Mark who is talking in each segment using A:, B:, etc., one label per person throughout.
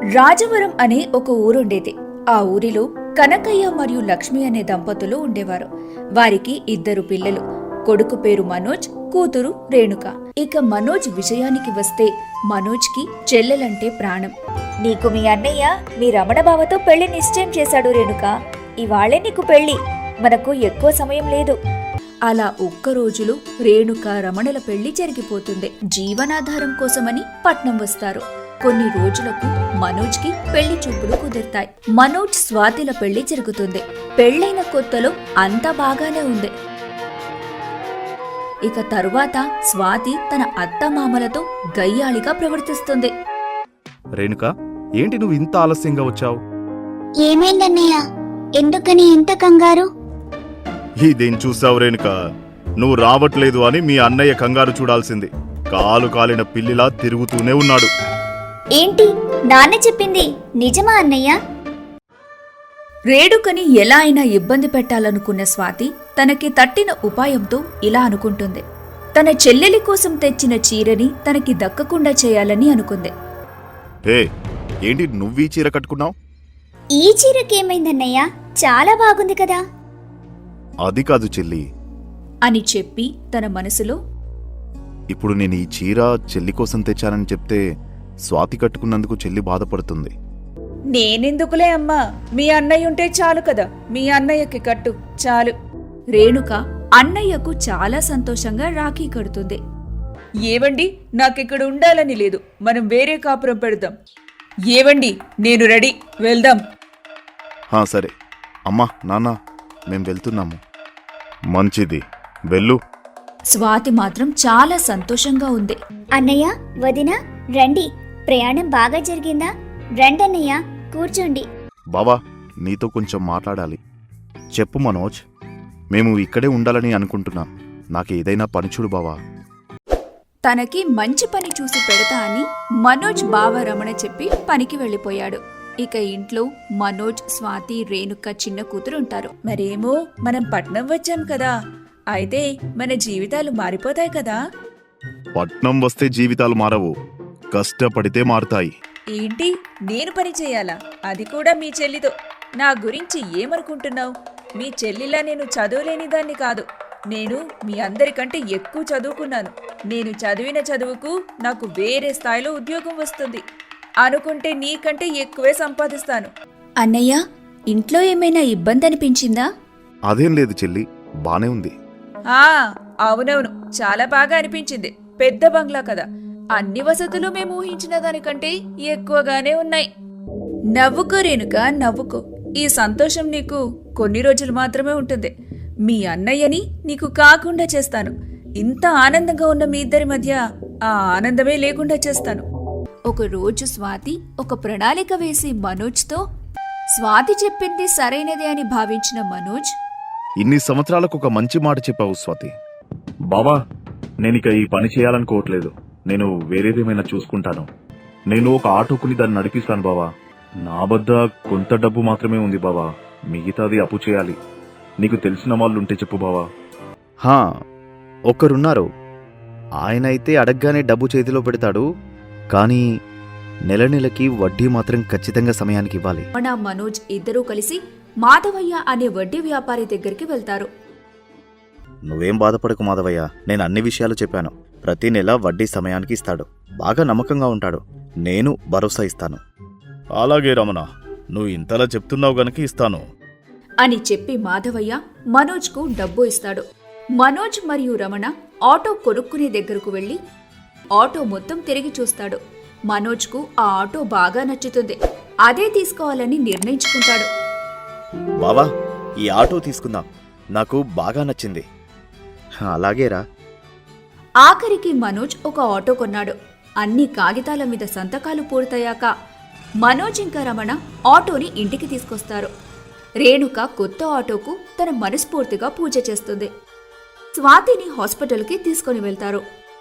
A: రాజవరం అనే ఒక ఊరుండేది. ఆ ఊరిలో కనకయ్య మరియు లక్ష్మి అనే దంపతులు ఉండేవారు. వారికి 2 పిల్లలు. కొడుకు పేరు మనోజ్, కూతురు రేణుక. ఇక మనోజ్ విషయానికి వస్తే మనోజ్కి చెల్లెలంటే ప్రాణం. నీకు మీ అన్నయ్య మీ రమణ బావతో పెళ్లి నిశ్చయం చేశాడు రేణుక. ఇవాళే నీకు పెళ్లి, మనకు ఎక్కువ సమయం లేదు. అలా ఒక్క రోజులో రేణుక రమణల పెళ్లి జరిగిపోతుంది. జీవనాధారం కోసమని పట్నం వస్తారు. కొన్ని రోజులకు మనోజ్ కి పెళ్లి చూపులు కుదురుతాయి. మనోజ్ స్వాతిల పెళ్లి జరుగుతుంది. పెళ్లైన కొత్తలో అంతా బాగానే ఉంది. ఇక తరువాత స్వాతి తన అత్తమామలతో గయ్యాళిగా ప్రవర్తిస్తుంది.
B: రేణుక, ఏంటి నువ్వు ఇంత ఆలస్యంగా వచ్చావు?
C: ఏమైందన్నయ్య, ఎందుకని ఇంత కంగారు?
B: ఇదేం చూసావు రేణుక, నువ్వు రావట్లేదు అని మీ అన్నయ్య కంగారు చూడాల్సింది. కాలు కాలిన పిల్లిలా తిరుగుతూనే ఉన్నాడు.
C: ఏంటి నాన్న చెప్పింది నిజమా అన్నయ్య?
A: రేణుకని ఎలా అయినా ఇబ్బంది పెట్టాలనుకున్న స్వాతి తనకి తట్టిన ఉపాయంతో ఇలా అనుకుంటుంది. తన చెల్లెలి కోసం తెచ్చిన చీరని తనకి దక్కకుండా చేయాలని అనుకుంది.
B: హే, ఏంటి నువ్వీ చీర కట్టుకున్నావు?
C: ఈ చీరకేమైందన్నయ్య, చాలా బాగుంది కదా.
B: అది కాదు చెల్లి
A: అని చెప్పి తన మనసులో,
B: ఇప్పుడు నేను ఈ చీర చెల్లి కోసం తెచ్చానని చెప్తే స్వాతి కట్టుకున్నందుకు చెల్లి బాధపడుతుంది.
A: నేనెందుకులే అమ్మా, మీ అన్నయ్య ఉంటే చాలు కదా, మీ అన్నయ్యకి కట్టు చాలు. రేణుక అన్నయ్యకు చాలా సంతోషంగా రాఖీ కడుతుంది. ఏవండి, నాకిక్కడ ఉండాలని లేదు, మనం వేరే కాపురం పెడదాం. ఏవండి, నేను రెడీ, వెళ్దాం.
B: సరే అమ్మా నాన్న, మేం వెళ్తున్నాము. మంచిది, వెళ్ళు.
A: స్వాతి మాత్రం చాలా సంతోషంగా ఉంది.
C: అన్నయ్య, వదిన, రండి. ప్రయాణం బాగా జరిగిందా? రండన్నయ్య, కూర్చోండి.
B: బావా, నీతో కొంచెం మాట్లాడాలి. చెప్పు మనోజ్, మేము ఇక్కడే ఉండాలని అనుకుంటున్నాం. నాకేదైనా పని చూడు బావా.
A: తనకి మంచి పని చూసి పెడతా అని మనోజ్ బావ రమణ చెప్పి పనికి వెళ్ళిపోయాడు. ఇక ఇంట్లో మనోజ్, స్వాతి, రేణుక చిన్న కూతురు ఉంటారు. మరేమో మనం పట్నం వచ్చాం కదా, అయితే మన జీవితాలు మారిపోతాయి కదా.
B: పట్నం వస్తే జీవితాలు మారవు, కష్టపడితే మారుతాయి.
A: ఏంటి, నేను పని చేయాలా? అది కూడా మీ చెల్లితో? నా గురించి ఏమనుకుంటున్నావు? మీ చెల్లిలా నేను చదువులేని దాన్ని కాదు. నేను మీ అందరికంటే ఎక్కువ చదువుకున్నాను. నేను చదివిన చదువుకు నాకు వేరే స్థాయిలో ఉద్యోగం వస్తుంది. అనుకుంటే నీకంటే ఎక్కువే సంపాదిస్తాను. అన్నయ్య, ఇంట్లో ఏమైనా ఇబ్బంది అనిపించిందా?
B: అదేం లేదు చెల్లి, బానే ఉంది.
A: అవునవును, చాలా బాగా అనిపించింది. పెద్ద బంగ్లా కదా, అన్ని వసతులు మేము ఊహించిన దానికంటే ఎక్కువగానే ఉన్నాయి. నవ్వుకో రేణుక, నవ్వుకో. ఈ సంతోషం నీకు కొన్ని రోజులు మాత్రమే ఉంటుంది. మీ అన్నయ్యని నీకు కాకుండా చేస్తాను. ఇంత ఆనందంగా ఉన్న మీ ఇద్దరి మధ్య ఆ ఆనందమే లేకుండా చేస్తాను. ఒక రోజు స్వాతి ఒక ప్రణాళిక వేసి మనోజ్తో, స్వాతి చెప్పింది సరైనదే అని భావించిన మనోజ్,
B: ఇన్ని సంవత్సరాలకు ఒక మంచి మాట చెప్పావు స్వాతి.
D: బావా, నేనిక ఈ పని చేయాలనుకోవట్లేదు. నేను వేరేదేమైనా చూసుకుంటాను. నేను ఒక ఆటో కొని దాన్ని నడిపిస్తాను బావా. నా వద్ద కొంత డబ్బు మాత్రమే ఉంది బావా, మిగతాది అప్పు చేయాలి. నీకు తెలిసిన వాళ్ళుంటే చెప్పు బావా.
B: ఒక్కరున్నారు. ఆయనైతే అడగ్గానే డబ్బు చేతిలో పెడతాడు, కానీ నెల నెలకి వడ్డీ మాత్రం ఖచ్చితంగా సమయానికి ఇవ్వాలి.
A: మనోజ్ ఇద్దరూ కలిసి మాధవయ్య అనే వడ్డీ వ్యాపారి దగ్గరికి వెళ్తారు.
B: నువ్వేం బాధపడకు మాధవయ్య, నేను అన్ని విషయాలు చెప్పాను. ప్రతి నెల వడ్డీ సమయానికి ఇస్తాడు. బాగా నమ్మకంగా ఉంటాడు. నేను భరోసా ఇస్తాను. అలాగే రమణ, నువ్వు ఇంతలా చెప్తున్నావు గనక ఇస్తాను
A: అని చెప్పి మాధవయ్య మనోజ్కు డబ్బు ఇస్తాడు. మనోజ్ మరియు రమణ ఆటో కొనుక్కునే దగ్గరకు వెళ్లి ఆటో మొత్తం తిరిగి చూస్తాడు. మనోజ్కు ఆ ఆటో బాగా నచ్చుతుంది. అదే తీసుకోవాలని నిర్ణయించుకుంటాడు.
B: బావా, ఈ ఆటో తీసుకుందాం, నాకు బాగా నచ్చింది. అలాగేరా.
A: ఆఖరికి మనోజ్ ఒక ఆటో కొన్నాడు. అన్ని కాగితాల మీద సంతకాలు పూర్తయ్యాక మనోజ్ ఇంకా రమణ ఆటోని ఇంటికి తీసుకొస్తారు. రేణుక కొత్త ఆటోకు తన మనస్ఫూర్తిగా పూజ చేస్తుంది. స్వాతిని హాస్పిటల్కి తీసుకుని వెళ్తారు.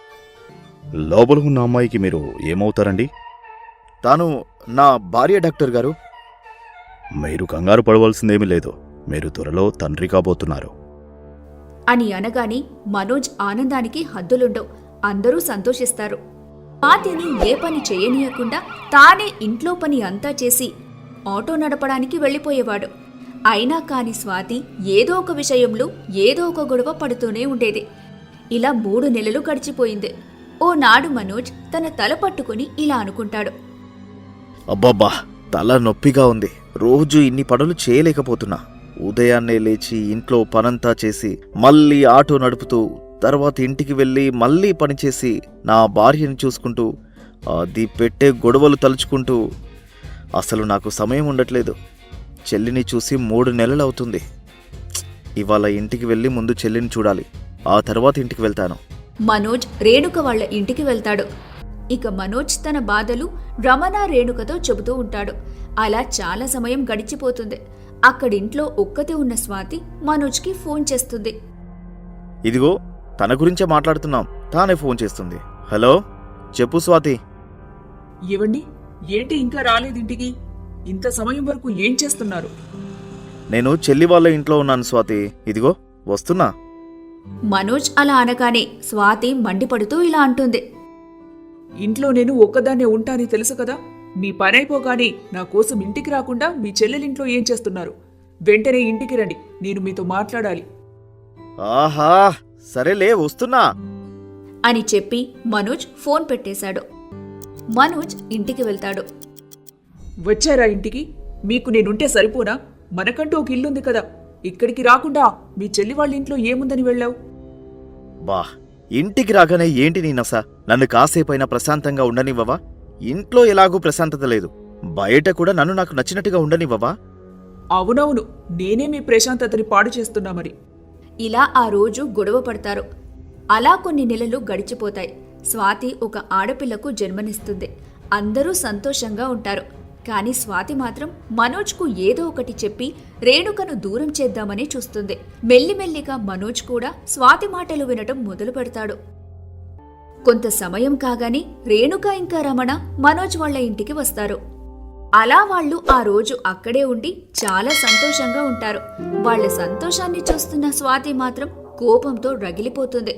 B: లోపల ఉన్న అమ్మాయికి మీరు ఏమవుతారండి? తాను నా భార్య డాక్టర్ గారు. మీరు కంగారు పడవలసిందేమీ లేదు, మీరు త్వరలో తండ్రి కాబోతున్నారు
A: అని అనగానే మనోజ్ ఆనందానికి హద్దులుండవు. అందరూ సంతోషిస్తారు. స్వాతిని ఏ పని చేయనీయకుండా తానే ఇంట్లో పని అంతా చేసి ఆటో నడపడానికి వెళ్ళిపోయేవాడు. అయినా కాని స్వాతి ఏదో ఒక విషయంలో ఏదో ఒక గొడవ పడుతూనే ఉండేది. ఇలా 3 నెలలు గడిచిపోయింది. ఓనాడు మనోజ్ తన తల పట్టుకుని ఇలా అనుకుంటాడు.
B: అబ్బబ్బా, తల నొప్పిగా ఉంది. రోజు ఇన్ని పనులు చేయలేకపోతున్నా. ఉదయాన్నే లేచి ఇంట్లో పనంతా చేసి మళ్ళీ ఆటో నడుపుతూ తర్వాత ఇంటికి వెళ్ళి మళ్ళీ పనిచేసి నా భార్యని చూసుకుంటూ అది పెట్టే గొడవలు తలుచుకుంటూ అసలు నాకు సమయం ఉండట్లేదు. చెల్లిని చూసి 3 నెలలు అవుతుంది. ఇవాళ ఇంటికి వెళ్ళి ముందు చెల్లిని చూడాలి, ఆ తర్వాత ఇంటికి వెళ్తాను.
A: మనోజ్ రేణుక వాళ్ళ ఇంటికి వెళ్తాడు. ఇక మనోజ్ తన బాధలు రమణ రేణుకతో చెబుతూ ఉంటాడు. అలా చాలా సమయం గడిచిపోతుంది. అక్కడింట్లో ఒక్కతే ఉన్న స్వాతి మనోజ్కి ఫోన్ చేస్తుంది.
B: ఇదిగో తన గురించే మాట్లాడుతున్నాం, తానే ఫోన్ చేస్తుంది. హలో, చెప్పు స్వాతి.
E: ఏవండి, ఏంటి ఇంకా రాలేదింటికి? ఇంత సమయం వరకు ఏం చేస్తున్నారు?
B: నేను చెల్లి వాళ్ళ ఇంట్లో ఉన్నాను స్వాతి, ఇదిగో వస్తున్నా.
A: మనోజ్ అలా అనగానే స్వాతి మండిపడుతూ ఇలా అంటుంది.
E: ఇంట్లో నేను ఒక్కదాన్నే ఉంటానని తెలుసు కదా. మీ పని అయిపోగానే నా కోసం ఇంటికి రాకుండా మీ చెల్లెలింట్లో ఏం చేస్తున్నారు? వెంటనే ఇంటికి రండి, నేను మీతో మాట్లాడాలి.
B: ఆహా, సరేలే వస్తున్నా
A: అని చెప్పి మనోజ్ ఫోన్ పెట్టేశాడు. మనోజ్ ఇంటికి వెళ్తాడు.
E: వచ్చారా ఇంటికి? మీకు నేనుంటే సరిపోనా? మనకంటూ ఒక ఇల్లుంది కదా. ఇక్కడికి రాకుండా మీ చెల్లి వాళ్ళ ఇంట్లో ఏముందని వెళ్ళావు?
B: బా, ఇంటికి రాగానే ఏంటి నీ నస? నన్ను కాసేపైనా ప్రశాంతంగా ఉండనివ్వవా? ఇంట్లో ఎలాగూ ప్రశాంతత లేదు, బయట కూడా నన్ను నాకు నచ్చినట్టుగా ఉండనివ్వవా?
E: అవునవును, నేనే మీ ప్రశాంతతని పాడు చేస్తున్నా మరి.
A: ఇలా ఆ రోజు గొడవ పడతారు. అలా కొన్ని నెలలు గడిచిపోతాయి. స్వాతి ఒక ఆడపిల్లకు జన్మనిస్తుంది. అందరూ సంతోషంగా ఉంటారు. కానీ స్వాతి మాత్రం మనోజ్కు ఏదో ఒకటి చెప్పి రేణుకను దూరం చేద్దామని చూస్తుంది. మెల్లిమెల్లిగా మనోజ్ కూడా స్వాతి మాటలు వినటం మొదలు పెడతాడు. కొంత సమయం కాగానే రేణుక ఇంకా రమణ మనోజ్ వాళ్ళ ఇంటికి వస్తారు. అలా వాళ్ళు ఆ రోజు అక్కడే ఉండి చాలా సంతోషంగా ఉంటారు. వాళ్ళ సంతోషాన్ని చూస్తున్న స్వాతి మాత్రం కోపంతో రగిలిపోతుంది.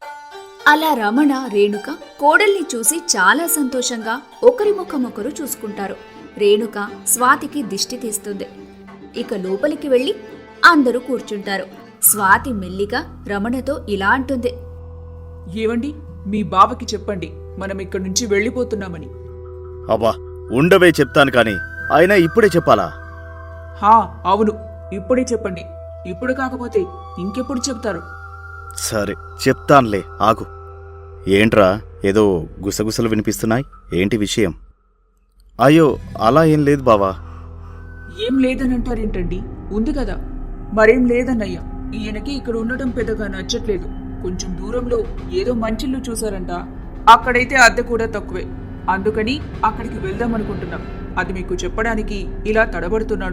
A: అలా రమణ రేణుక కోడల్ని చూసి చాలా సంతోషంగా ఒకరి ముఖం ఒకరు చూసుకుంటారు. రేణుక స్వాతికి దిష్టి తీస్తుంది. ఇక లోపలికి వెళ్లి అందరూ కూర్చుంటారు. స్వాతి మెల్లిగా రమణతో ఇలా అంటుంది.
E: ఏవండి, మీ బావకి చెప్పండి మనం ఇక్కడి నుంచి వెళ్ళిపోతున్నామని.
B: అబ్బా, ఉండవే చెప్తాను కానీ అయినా ఇప్పుడే చెప్పాలా?
E: హా అవును, ఇప్పుడే చెప్పండి. ఇప్పుడు కాకపోతే ఇంకెప్పుడు చెప్తారు?
B: సరే చెప్తాన్లే, ఆగు. ఏంట్రా, ఏదో గుసగుసలు వినిపిస్తున్నాయి, ఏంటి విషయం? అయ్యో, అలా ఏం లేదు బావా.
E: ఏం లేదనంటారేంటండి? ఉంది కదా. మరేం లేదన్నయ్యా, ఈయనకి ఇక్కడ ఉండటం పెద్దగా నచ్చట్లేదు. కొంచెం దూరంలో ఏదో మంచిల్లు చూసారంట. అక్కడైతే అద్దె కూడా తక్కువే. అందుకని అక్కడికి వెళ్దామనుకుంటున్నాం. అది మీకు చెప్పడానికి ఇలా తడబడుతున్నాడు.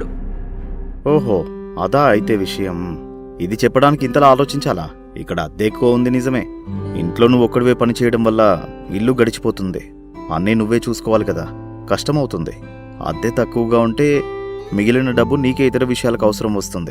B: ఓహో, అదా అయితే విషయం. ఇది చెప్పడానికి ఇంతలా ఆలోచించాలా? ఇక్కడ అద్దె ఎక్కువ ఉంది నిజమే. ఇంట్లో నువ్వు ఒక్కడివే పని చేయడం వల్ల ఇల్లు గడిచిపోతుంది. అన్నీ నువ్వే చూసుకోవాలి కదా, కష్టమవుతుంది. అద్దె తక్కువగా ఉంటే మిగిలిన డబ్బు నీకే ఇతర విషయాలకు అవసరం వస్తుంది.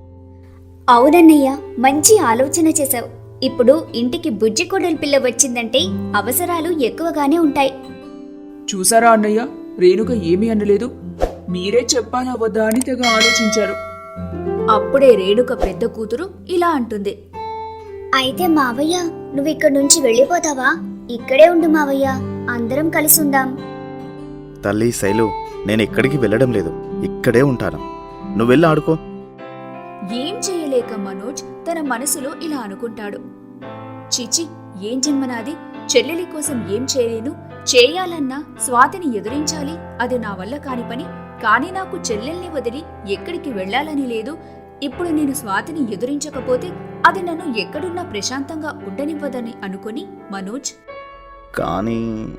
C: అవునన్నయ్య, మంచి ఆలోచన చేశావు. ఇప్పుడు ఇంటికి బుజ్జి కోడలి పిల్ల వచ్చిందంటే అవసరాలు ఎక్కువగానే ఉంటాయి.
E: చూసారా అన్నయ్య, రేణుక ఏమీ అనలేదు. మీరే చెప్పాలా వద్దా అని తెగ ఆలోచించారు.
A: అప్పుడే రేణుక పెద్ద కూతురు ఇలా అంటుంది.
C: అయితే మావయ్య, నువ్విక్కడి నుంచి వెళ్ళిపోతావా? ఇక్కడే ఉండు మావయ్య, అందరం కలిసి ఉందాం.
B: తల్లి శైలు, నేను ఎక్కడికి వెళ్ళడం లేదు, ఇక్కడే ఉంటాను. నువ్వెళ్ళి ఆడుకో.
A: ఏం చేయలేక మనోజ్ తన మనసులో ఇలా అనుకుంటాడు. చిచి, ఏం జన్మనాది? చెల్లెలి కోసం ఏం చేయలేను. చేయాలన్నా స్వాతిని ఎదురించాలి, అది నా వల్ల కాని పని. కానీ నాకు చెల్లెల్ని వదిలి ఎక్కడికి వెళ్లాలని లేదు. ఇప్పుడు నేను స్వాతిని ఎదురించకపోతే అది నన్ను ఎక్కడున్నా ప్రశాంతంగా ఉండనివ్వదని అనుకుని మనోజ్
B: కానీ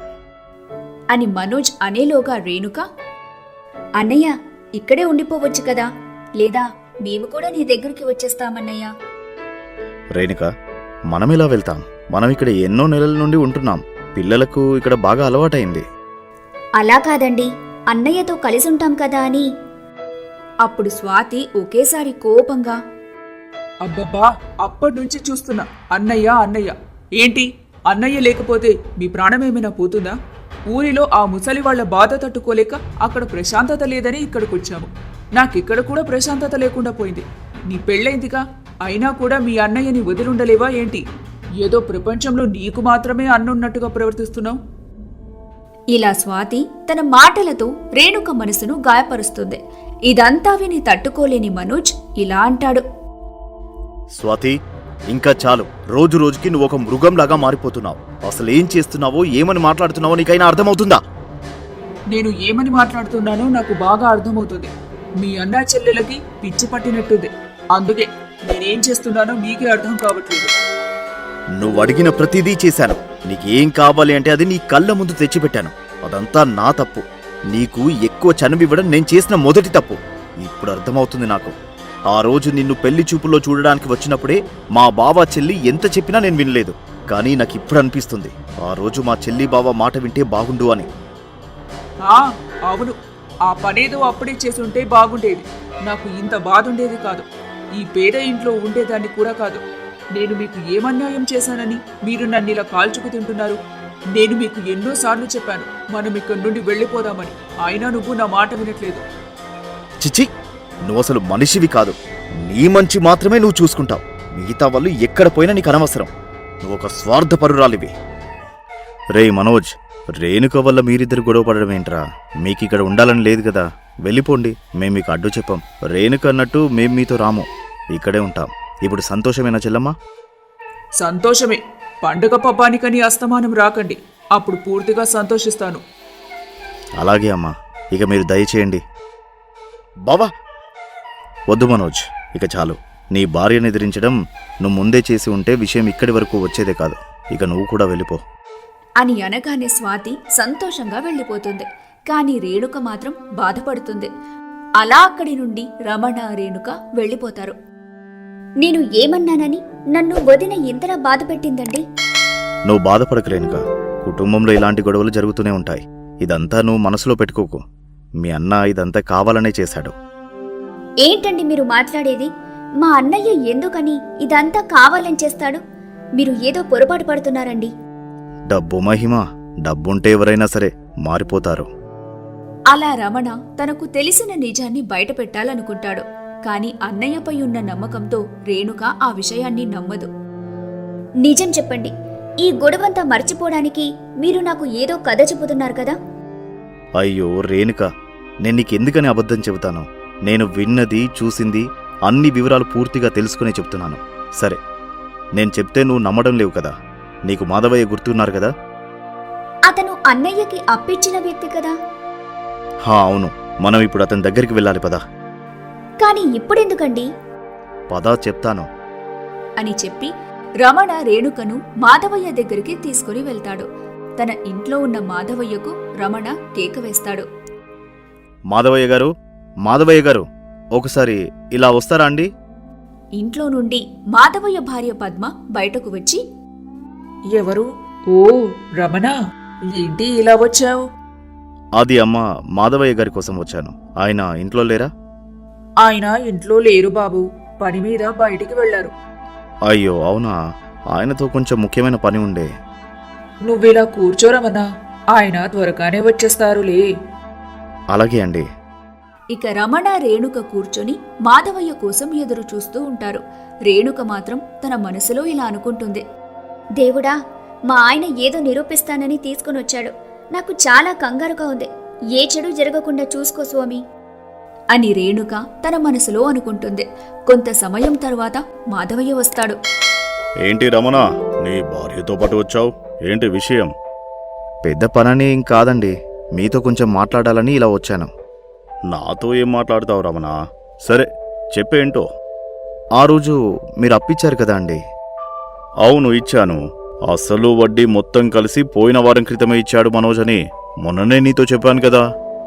A: అని మనోజ్ అనేలోగా రేణుక, అన్నయ్య ఇక్కడే ఉండిపోవచ్చు కదా, లేదా మేము కూడా నీ దగ్గరికి వచ్చేస్తామన్నయ్య.
B: రేణుక, మనమిలా వెళ్తాం. మనం ఇక్కడ ఎన్నో నెలల నుండి ఉంటున్నాం. పిల్లలకు ఇక్కడ బాగా అలవాటైంది.
C: అలా కాదండి, అన్నయ్యతో కలిసి ఉంటాం కదా అని.
A: అప్పుడు స్వాతి ఒకేసారి కోపంగా,
E: అబ్బబ్బా, అప్పటి నుంచి చూస్తున్నా అన్నయ్య అన్నయ్య. ఏంటి అన్నయ్య లేకపోతే మీ ప్రాణమేమైనా పోతుందా? ఊరిలో ఆ ముసలి వాళ్ల బాధ తట్టుకోలేక అక్కడ ప్రశాంతత లేదని ఇక్కడికొచ్చాము. నాకిక్కడ కూడా ప్రశాంతత లేకుండా పోయింది. నీ పెళ్ళైందిగా, అయినా కూడా మీ అన్నయ్యని వదిలుండలేవా ఏంటి? ఏదో ప్రపంచంలో నీకు మాత్రమే అన్నున్నట్టుగా ప్రవర్తిస్తున్నావు.
A: ఇలా స్వాతి తన మాటలతో రేణుక మనసును గాయపరుస్తుంది. ఇదంతా విని తట్టుకోలేని మనోజ్ ఇలా అంటాడు.
B: స్వాతి, ఇంకా చాలు. రోజు రోజుకి నువ్వు ఒక మృగంలాగా మారిపోతున్నావు. అసలు ఏం చేస్తున్నావో, ఏమని మాట్లాడుతున్నావో నీకైనా అర్థమవుతుందా?
E: నేను ఏమని మాట్లాడుతున్నానో నాకు బాగా అర్థమవుతుంది. మీ అన్నా చెల్లెలకి పిచ్చి పట్టినట్టుంది. అందుకే నేనేం చేస్తున్నానో మీకే అర్థం కావట్లేదు.
B: నువ్వు అడిగిన ప్రతిదీ చేశాను. నీకేం కావాలి అంటే అది నీ కళ్ళ ముందు తెచ్చిపెట్టాను. అదంతా నా తప్పు. నీకు ఎక్కువ చనువివ్వడం నేను చేసిన మొదటి తప్పు. ఇప్పుడు అర్థమవుతుంది నాకు. ఆ రోజు నిన్ను పెళ్లి చూపుల్లో చూడడానికి వచ్చినప్పుడే మా బావ చెల్లి ఎంత చెప్పినా నేను వినలేదు. కానీ నాకు ఇప్పుడు అనిపిస్తుంది, ఆ రోజు మా చెల్లి బావ మాట వింటే బాగుండు అని.
E: అవును, ఆ పనేదో అప్పుడే చేసుంటే బాగుండేది. నాకు ఇంత బాధ ఉండేది కాదు. ఈ పేద ఇంట్లో ఉండేదాన్ని కూడా కాదు. నేను మీకు ఏమన్యాయం చేశానని మీరు నన్ను ఇలా కాల్చుకు తింటున్నారు? నేను మీకు ఎన్నోసార్లు చెప్పాను మనం ఇక్కడి నుండి వెళ్ళిపోదామని. అయినా నువ్వు నా మాట వినట్లేదు.
B: చిచి, నువ్వు అసలు మనిషివి కాదు. నీ మంచి మాత్రమే నువ్వు చూసుకుంటావు. మిగతా వాళ్ళు ఎక్కడ పోయినా నీకు అనవసరం. నువ్వు ఒక స్వార్థపరురాలివి. రేయ్ మనోజ్, రేణుక వల్ల మీరిద్దరు గొడవ పడడం ఏంట్రా? మీకిక్కడ ఉండాలని లేదు కదా, వెళ్ళిపోండి. మేం మీకు అడ్డు చెప్పాం. రేణుక అన్నట్టు మేం మీతో రాము, ఇక్కడే ఉంటాం. ఇప్పుడు సంతోషమేనా చెల్లమ్మా?
E: సంతోషమే. పండుగ పబ్బానికని అస్తమానం రాకండి, అప్పుడు పూర్తిగా సంతోషిస్తాను.
B: అలాగే అమ్మా, ఇక మీరు దయచేయండి. బావా, వద్దు మనోజ్, ఇక చాలు. నీ భార్యను ఎదిరించడం నువ్వు ముందే చేసి ఉంటే విషయం ఇక్కడి వరకు వచ్చేదే కాదు. ఇక నువ్వు కూడా వెళ్ళిపో
A: అని అనగానే స్వాతి సంతోషంగా వెళ్ళిపోతుంది. కాని రేణుక మాత్రం బాధపడుతుంది. అలా అక్కడి నుండి రమణ, రేణుక వెళ్ళిపోతారు.
C: నేను ఏమన్నానని నన్ను వదిన ఇంతలా బాధ పెట్టిందండి?
B: నువ్వు బాధపడకు రేణుక. కుటుంబంలో ఇలాంటి గొడవలు జరుగుతూనే ఉంటాయి. ఇదంతా నువ్వు మనసులో పెట్టుకోకు. మీ అన్న ఇదంతా కావాలనే చేశాడు.
C: ఏంటండి మీరు మాట్లాడేది? మా అన్నయ్య ఎందుకని ఇదంతా కావాలని చేస్తాడు? మీరు ఏదో పొరపాటు పడుతున్నారండి.
B: డబ్బు మహిమ. డబ్బుంటే ఎవరైనా సరే మారిపోతారు.
A: అలా రమణ తనకు తెలిసిన నిజాన్ని బయటపెట్టాలనుకుంటాడు. కాని అన్నయ్యపై ఉన్న నమ్మకంతో రేణుక ఆ విషయాన్ని నమ్మదు.
C: నిజం చెప్పండి, ఈ గొడవంతా మర్చిపోవడానికి మీరు నాకు ఏదో కథ చెబుతున్నారు కదా?
B: అయ్యో రేణుక, నేను నీకెందుకని అబద్ధం చెబుతాను? నేను విన్నది, చూసింది అన్ని వివరాలు పూర్తిగా తెలుసుకునే చెప్తున్నాను. సరే, నేను చెప్తే నువ్వు నమ్మడం లేవు కదా. నీకు మాధవయ్య గుర్తున్నారు కదా?
C: అతను అన్నయ్యకి అప్పిచ్చిన వ్యక్తి కదా?
B: అవును. మనం ఇప్పుడు అతని దగ్గరికి వెళ్ళాలి, పదా.
C: కాని ఇప్పుడెందుకండి?
B: పదా, చెప్తాను
A: అని చెప్పి రమణ రేణుకను మాధవయ్య దగ్గరికి తీసుకుని వెళ్తాడు. తన ఇంట్లో ఉన్న మాధవయ్యకు రమణ కేక వేస్తాడు.
B: మాధవయ్య గారు, మాధవయ్య గారు, ఒకసారి ఇలా వస్తారా అండి?
A: ఇంట్లో నుండి మాధవయ్య భార్య పద్మ బయటకు వచ్చి,
E: ఎవరు? ఓ రమణ, ఏంటి ఇలా వచ్చావు?
B: అది అమ్మ, మాధవయ్య గారి కోసం వచ్చాను. ఆయన ఇంట్లో లేరా?
E: ఆయన ఇంట్లో లేరు బాబు, పని మీద బయటికి వెళ్లారు.
B: అయ్యో అవునా? ఆయనతో కొంచెం ముఖ్యమైన పని ఉండే.
E: నువ్విలా కూర్చోరమన్నా, ఆయన త్వరగానే వచ్చేస్తారులే.
B: అలాగే అండి.
A: ఇక రమణ, రేణుక కూర్చొని మాధవయ్య కోసం ఎదురు చూస్తూ ఉంటారు. రేణుక మాత్రం తన మనసులో ఇలా అనుకుంటుంది.
C: దేవుడా, మా ఆయన ఏదో నిరూపిస్తానని తీసుకునొచ్చాడు. నాకు చాలా కంగారుగా ఉంది. ఏ చెడు జరగకుండా చూసుకో స్వామి
A: అని రేణుక తన మనసులో అనుకుంటుంది. కొంత సమయం తర్వాత మాధవయ్య వస్తాడు.
B: ఏంటి రమణ, నీ భార్యతో పాటు వచ్చావు? ఏంటి విషయం? పెద్ద పనని ఏం కాదండి, మీతో కొంచెం మాట్లాడాలని ఇలా వచ్చాను. నాతో ఏం మాట్లాడతావు రమణ? సరే చెప్పేంటో. ఆ రోజు మీరు అప్పిచ్చారు కదా అండి? అవును, ఇచ్చాను. అసలు వడ్డీ మొత్తం కలిసి పోయిన వారం క్రితమే ఇచ్చాడు మనోజ్ అని మొన్ననే నీతో చెప్పాను కదా.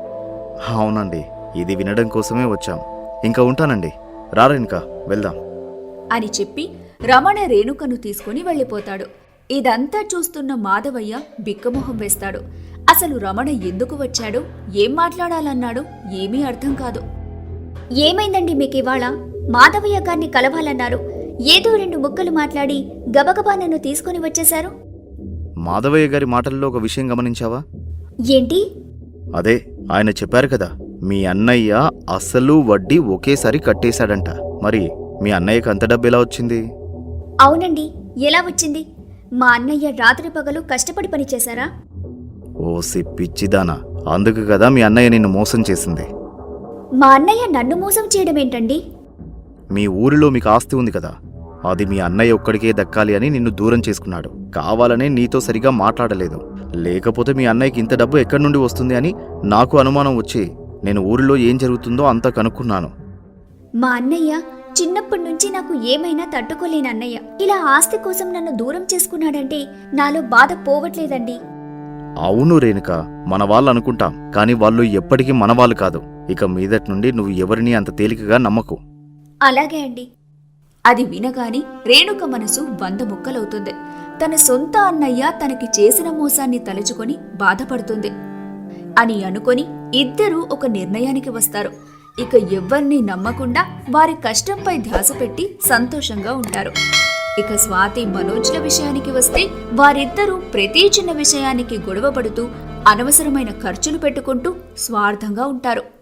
B: అవునండి, ఇది వినడం కోసమే వచ్చాం. ఇంకా ఉంటానండి. రారేనుక, వెళ్దాం
A: అని చెప్పి రమణ రేణుకను తీసుకుని వెళ్ళిపోతాడు. ఇదంతా చూస్తున్న మాధవయ్య బిక్కమొహం వేస్తాడు. అసలు రమణ ఎందుకు వచ్చాడో, ఏం మాట్లాడాలన్నాడో ఏమీ అర్థం కాదు.
C: ఏమైందండి మీకు ఇవాళ? మాధవయ్య గారిని కలవాలన్నారు. ఏదో 2 ముక్కలు మాట్లాడి గబగబా నన్ను తీసుకుని వచ్చేశారు.
B: మాధవయ్య గారి మాటల్లో ఒక విషయం గమనించావా?
C: ఏంటి?
B: అదే ఆయన చెప్పారు కదా, మీ అన్నయ్య అసలు వడ్డీ ఒకేసారి కట్టేశాడంట. మరి మీ అన్నయ్యకి అంత డబ్బు ఎలా వచ్చింది?
C: అవునండి, ఎలా వచ్చింది? మా అన్నయ్య రాత్రి పగలు కష్టపడి పని చేశారా?
B: ఓసి పిచ్చిదానా, అందుకు కదా మీ అన్నయ్య నిన్ను మోసం చేసింది.
C: మా అన్నయ్య నన్ను మోసం చేయడం ఏంటండి?
B: మీ ఊరిలో మీకు ఆస్తి ఉంది కదా, అది మీ అన్నయ్య ఒక్కడికే దక్కాలి అని నిన్ను దూరం చేసుకున్నాడు. కావాలనే నీతో సరిగా మాట్లాడలేదు. లేకపోతే మీ అన్నయ్యకి ఇంత డబ్బు ఎక్కడి నుండి వస్తుంది అని నాకు అనుమానం వచ్చి నేను ఊరిలో ఏం జరుగుతుందో అంతా కనుక్కున్నాను.
C: మా అన్నయ్య చిన్నప్పటి నుంచి నాకు ఏమైనా తట్టుకోలేని అన్నయ్య ఇలా ఆస్తి కోసం నన్ను దూరం చేసుకున్నాడంటే నాలో బాధ పోవట్లేదండి.
B: అవును రేణుక, మన వాళ్ళు అనుకుంటాం, కానీ వాళ్ళు ఎప్పటికీ మనవాళ్ళు కాదు. ఇక మీదటి నుండి నువ్వు ఎవరిని అంత తేలికగా నమ్మకు.
C: అలాగే అండి.
A: అది వినగాని రేణుక మనసు 100 ముక్కలవుతుంది. తన సొంత అన్నయ్య తనకి చేసిన మోసాన్ని తలుచుకొని బాధపడుతుంది అని అనుకొని ఇద్దరూ ఒక నిర్ణయానికి వస్తారు. ఇక ఎవ్వర్నీ నమ్మకుండా వారి కష్టంపై ధ్యాస పెట్టి సంతోషంగా ఉంటారు. ఇక స్వాతి మనోజ్ల విషయానికి వస్తే వారిద్దరూ ప్రతి చిన్న విషయానికి గొడవ పడుతూ అనవసరమైన ఖర్చులు పెట్టుకుంటూ స్వార్థంగా ఉంటారు.